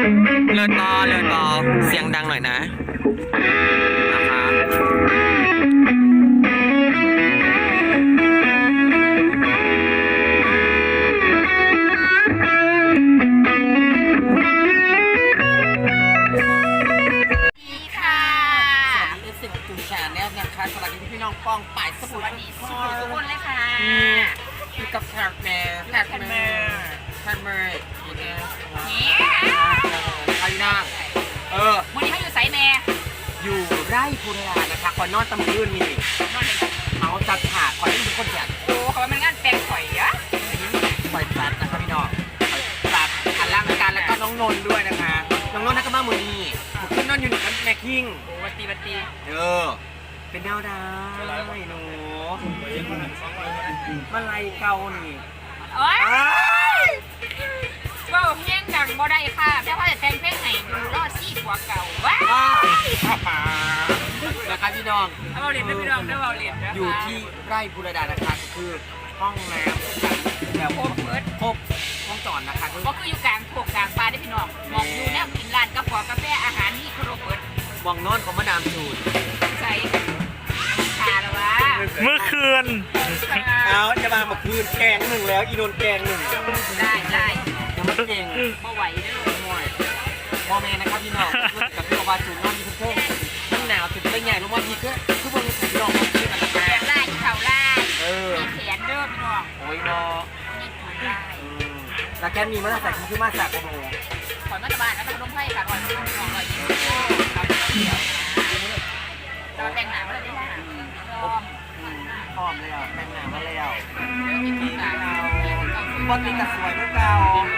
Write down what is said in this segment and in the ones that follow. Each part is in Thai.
เลยต่อเสียงดังหน่อยนะคะสวัสดีพี่น้องป้องป่ายสมุทรทุกคนเลยค่ะอยู่กับแคทแมร์อีกแล้วใครนั่งวันนี้เขาอยู่ไซแม่อยู่ไร่พุรานะคะคอยนอนตำลื่นนี่นอนเลยเขาจัดฉากคอยได้ทุกคนจัดโอ้เขาเป็นงานแปลงข่อยอะคอยจัดนะคะพี่น้องจัดอันล่างการแล้วก็น้องนนท์ด้วยนะคะน้องนนท์นักก็มามือนี่ขึ้นนอนอยู่หนึ่งแม่คิงโอ้บัตตีเป็นดาวดหนูมาไล่เก่านี่โอ้ยว่าเพลงดังบ่ได้ค่ะแต่ว่าจะแต่งเพลงไหนดูรอดซี่กว่าเก่าว้าวนะคะพี่น้องเราเรียนพี่น้องได้เราเรียนอยู่ที่ไร่พุรดานะคะคือห้องน้ำแบบครบห้องจอดนะคะก็คืออยู่กลางพวกกลางปลาได้พี่น้องมองอยู่เนี่ยกินร้านกาแฟอาหารนี่ครบเบิดมองนอนของมาดามจูนใช่เมื่อคืนเอาจะมาเมื่อคืนแกงหนึ่งแล้วอีโดนแกงหนึ่งได้ยังไม่เก่งไม่ไหวด้วยมอแมนนะครับพี่น้องกับพี่วาจูนนอนอยู่เพิ่งมันหนาวถึงได้ใหญ่ลงมาพีก็คือมันพี่น้องมาพี่กันนะแกงไล่เข่าไล่มีแขนเด้อพี่น้องโอ้ยเนาะแล้วแกมีมาใส่คือมาใส่กระโดดขอนมาตะบานแล้วก็ลงไพ่ค่ะก่อนลองเลยเราแต่งหนามาเลยได้พร้อมแล้วแต่งหน้ามาแล้วบอลตีกับสวยด้วยเก่า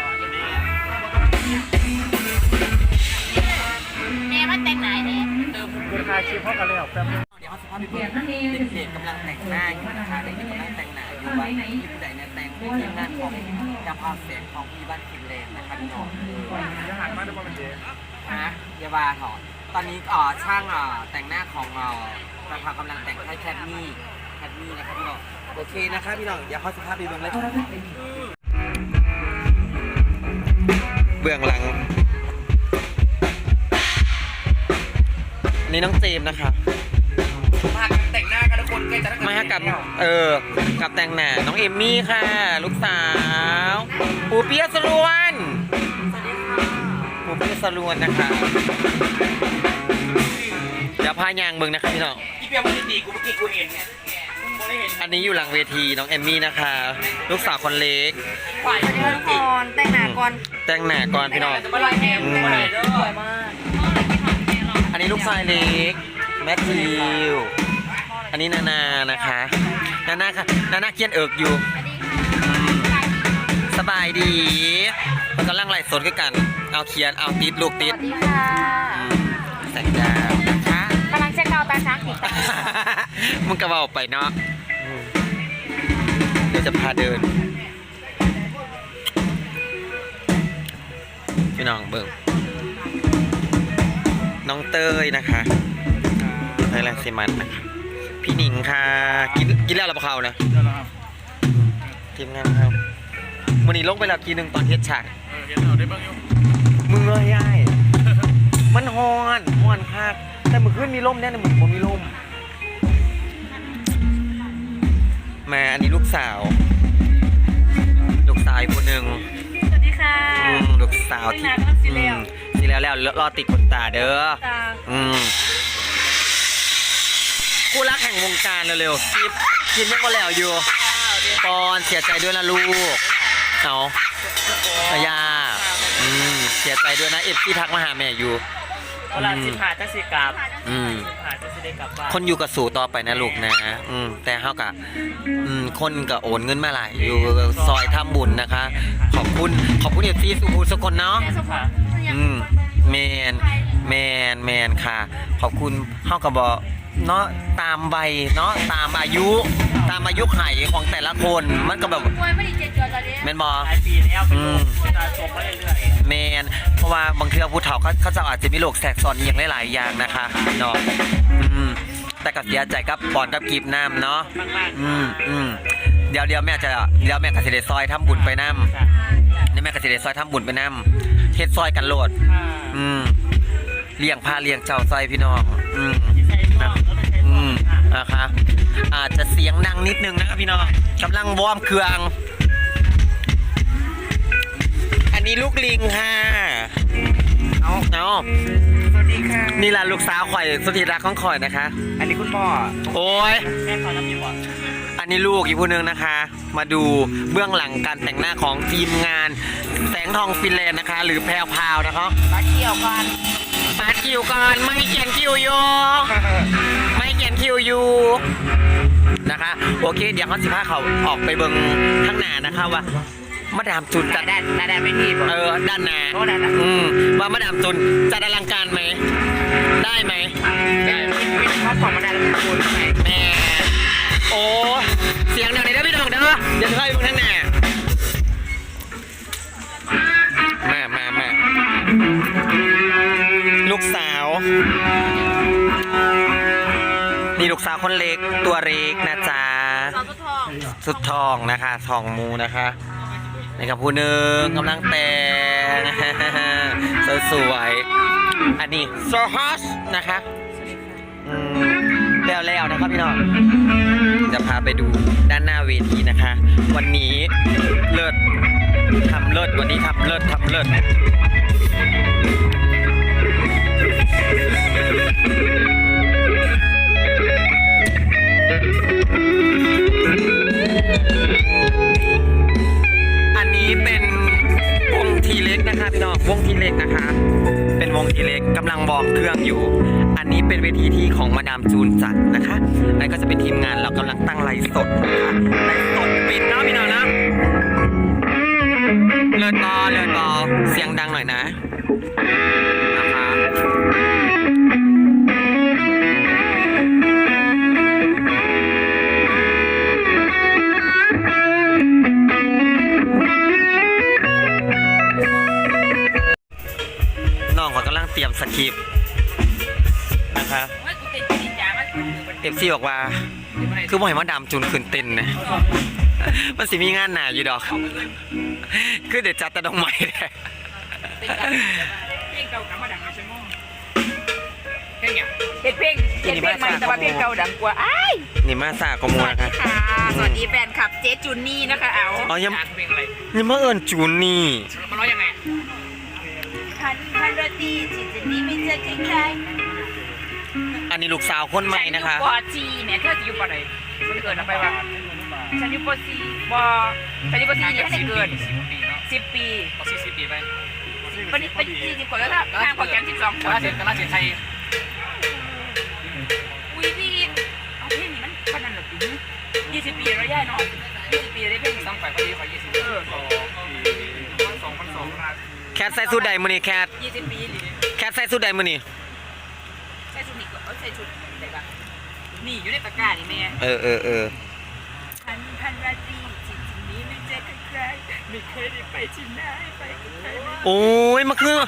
แม่มันแต่งไหนเนี่ยเวลาคิวพ่อกันเลยออกแป๊บเดี๋ยวเขาสภาพเด็กๆกำลังแต่งหน้าอยู่นะคะเด็กๆกำลังแต่งหน้าอยู่ว่าที่ผู้ใดเนี่ยแต่งทีมงานของยาพาเสียงของพี่บ้านฟินแลนด์นะคะพี่น้องจะหันมาดูบอลเดย์ยาบาถอดตอนนี้ช่างแต่งหน้าของเรากำลังแต่งให้แคทมี่นะครับพี่น้องโอเคนะครับพี่น้องเดี๋ยวเขาสภาพดีเบื้องเลยเบื้องหลังนี่น้องเจมนะคะมาแต่งหน้ากันทุกคนใกล้จะมากับกับแต่งหน้าน้องเอมมี่ค่ะลูกสาวปูเปียสรวนปูเปียสรวนนะคะเดี๋ยวพายางเบิ่งนะคะพี่น้องอีเปียมันดีกูเมื่อกี้กูเห็นเนี่ยอันนี้อยู่หลังเวทีน้องเอมมี่นะคะลูกสาวคนเล็กแต่งหน้าก่อนพี่น้องอันนี้ลูกชายเล็กแมทธิวอันนี้นานะคะนาค่ะนาเคียนเอิกอยู่สบายดีมันกำลังไล่สดกันเอาเคียนเอาติดลูกติดแสงดาวนะคะกำลังเช็คเอาตาช้างอีกมึงกระเป๋าไปเนาะเดี๋ยวจะพาเดินพี่น้องเบิ่งน้องเต้ยนะคะไทยแลนด์ซีมันนะคะพี่หนิงค่ะกินแล้วหรือเปล่านะทีมงานครับวันนี้ลงไปแล้วทีนึงตอนเทสฉากมึงเลยย่ายมันฮอนคักแต่เมื่อคืนมีลมแน่เลยเหมือนผมมีลมมาอันนี้ลูกสาวคนหนึ่งสวัสดีค่ะลูกสาวที่สีแล้วรอติดขนตาเด้อคู่รักแห่งวงการเร็วๆกินยังก็แล้วอยู่ปอนเสียใจด้วยนะลูกเอายาเสียใจด้วยนะที่ทักมาหาแม่อยู่เวลาสิผ่าจะสิกลับคนอยู่กับสู่ต่อไปนะลูกนะแต่เฮากะคนก็โอนเงินมาหลายอยู่ซอยทำบุญนะคะขอบคุณเอฟซีสุภูสกลเนาะแมนค่ะขอบคุณเฮาก็บอกเนาะตามใบเนาะตามอายุไขของแต่ละคนมันก็แบบแมนบอแมนเพราะว่าบางทีผู้เฒ่าเขาจะอาจจะมีโรคแทรกซ้อนอย่างหลายๆอย่างนะคะเนาะแต่ก็เสียใจกับปอนกับกีบน้ำเนาะเดี๋ยวแม่ก็สิได้ซอยทำบุญไปน้ำนี่แม่ก็สิได้ซอยทำบุญไปน้ำฮ็ดซอยกันโลดค่ะเลี้ยงพาเลี้ยงเจ้าซอยพี่น้องใส่ซองแล้วก็ใส่ซองค่ะนะคะอาจจะเสียงดังนิดนึงนะครับพี่น้องกำลังวอร์มเครื่องอันนี้ลูกลิงค่ะเอาสวัสดีค่ะนี่ล่ะลูกสาวข่อยสุดที่รักของข่อยนะคะอันนี้คุณพ่อโอ้ยแม่ขอรับผิดชอบอันนี้ลูกอีกผู้หนึงนะคะ มาดูเบื้องหลังการแต่งหน้าของทีมงานแสงทองฟินแลนด์นะคะ หรือแพรวพราวนะคะมาเที่ยวกันปาดคิวก่อนไม่เขียนคิวอยู่ไม่เขียนคิวอยู่นะคะโอเคเดี๋ยวเขา15เขาออกไปเบิ่งข้างหน้านะคะว่ามาดามจุนจัดด้านไม่ที่บอกด้านหน้าโอ้ด้านหน้าว่ามาดามจุนจัดอลังการไหมได้ไหมเป็นข้อของมาได้แล้วคุณไหมแม่โอ้เสียงดังเลยนะพี่น้องเด้อเดี๋ยวเข้าไปเบิ่งข้างหน้ามาลูกสาวนี่ลูกสาวคนเล็กตัวเล็กนะจ๊ะสาวทองสุดทองนะคะทองมูนะคะนี่กับผู้หนึ่งกำลังแต่ง สวยๆอันนี้โซฮอสนะคะแล้วนะครับพี่น้องจะพาไปดูด้านหน้าเวทีนะคะ วันนี้เลิศทำเลิศวันนี้ทำเลิศอันนี้เป็นวงทีเล็กนะคะพี่น้องวงทีเล็กนะคะ เป็นวงทีเล็กกำลังบอกเครื่องอยู่ อันนี้เป็นเวทีที่ของมาดามจูนจัดนะคะนั่นก็จะเป็นทีมงานเรากำลังตั้งไลฟ์สดนะคะไลฟ์สดปิดเนาะพี่น้องนะเลิศต่อเสียงดังหน่อยนะนะคะน้องเขากำลังเตรียมสคริปต์นะคะว่ากูติดกินยามาเอฟซีบอกว่าคือบ่อยมาดามจูนขึ้นเต้นนะมันสิมีงานหนาอยู่ดอกคือเดี๋ยวจัดแต่ดอกไม้แหละเพลงเก่ากับมาดังในชั่วโมงเพลงใหม่แต่ว่าเพลงเก่าดังกว่าอ้ายนี่มาสากโมนะคะค่ะสวัสดีแฟนคลับเจ๊จุนนี่นะคะเอาอ๋อยังเพลงอะไรยังมาเอิญจูนนี่มันร้องยังไงพันรตีจิตจะนี้ไม่เจอใครอันนี้ลูกสาวคนใหม่นะคะปอจีเนี่ยเธอจะอยู่ปอไหนฉันเกิดอะไรวะฉันอยู่ปอซีปอฉันอยู่ปอซีเนี่ยให้เกิด 10 ปีเนาะ 10 ปีเอา40 ปีไปวันนี้เป็น40 กว่าแล้วนะข้างพอแกม12 กระลาเสียไทยอุ้ยพี่เอาเพลงนี้มันขนาดหรอปี20 ปีแล้วย่ายเนาะ20 ปีได้เพลงต้องไปพอดีขอ20 2,200 ราคแคทใส่สุดใดมือนี่แคท 20 ปีหรือแคทใส่สุดใดมือนี่ใส่ชุดนี้ก็ใส่ชุดไหนบ้างนี่อยู่ในตะกร้านี่แม่เออพันราตรีจิตนี้ไม่เจอใครไม่เคยได้ไปที่ไหนไปกับใครโอ้ยมาคือ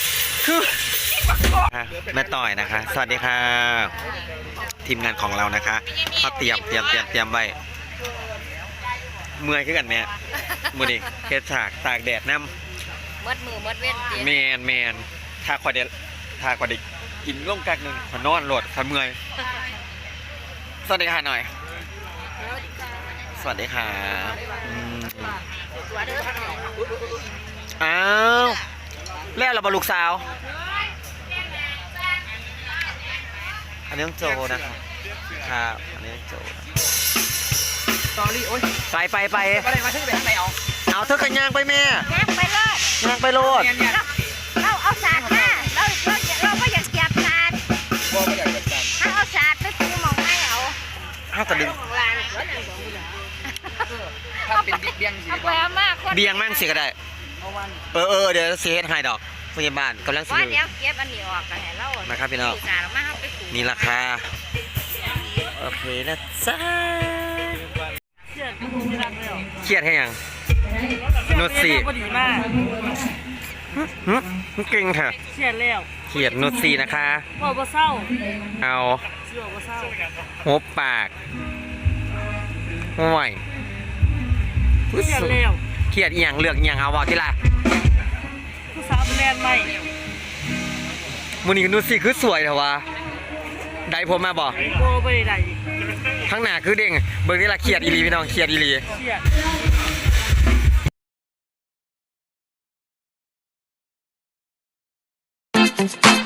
แม่ต่อยนะคะ สวัสดีค่ะ ทีมงานของเรานะคะเขาเตรียมไว้เมื่อยขึ้นกันแม่มือนี่เฮ็ดฉากตากแดดน้ำมดมือมดเว้นเจ๊แมนถ้าขวดเด็กกินล่มกักหนึ่งขอนอนโหลดขอเมื่อยสวัสดีค่ะหน่อย สวัสดีค่ะอ้าวแล้วเราบลูกสาวอันนี้ต้องโจนะครับครับอันนี้ต้องโจสตอรี่โอ๊ยไปอะไรมาถึงไปทางไหนเอาเอาเธอกันย่างไปแม่แม่ไปเลยย่างไปโลดเนี่ยเราเอาศาสตร์มาเราไม่อยากเก็บศาสตร์บ่ไม่อยากจะจถ้าเอาศาสตร์ไปปูมองไม่เอาเอากระดึงของลานำถ้าเป็นบิ๊กเบี้ยงสิเอาไปเอามากคนเบียงมั่งสิก็ได้เอาวันเดี๋ยวเสียให้ดอกพยาบาลกำลังสิว่าเดี๋ยวเก็บอันนี้ออกกันให้เรามาครับพี่น้องศาสตร์มาเอาไปปูนี่ราคาโอเคนะจ๊ะเครียดให้ยังนุชสี่ก็ดีมากเก่งค่ะเชียร์แล้วเครียดนุชสี่นะคะพ่อบ่เศร้าเอาเชื่อบ่เศร้าหัวปากห่วยเชียร์แล้วเครียดอีหยังเลือกอีหยังเอาบอกที่ละผู้สาวแลนใหม่มูนี่นูสิคือสวยเถอะวะได้ผมมาบ่โบไปไหนข้างหน้าคือเด้งเบิ่งนี่ละเครียดอีหลีพี่น้องเครียดอีหลีเชี่ย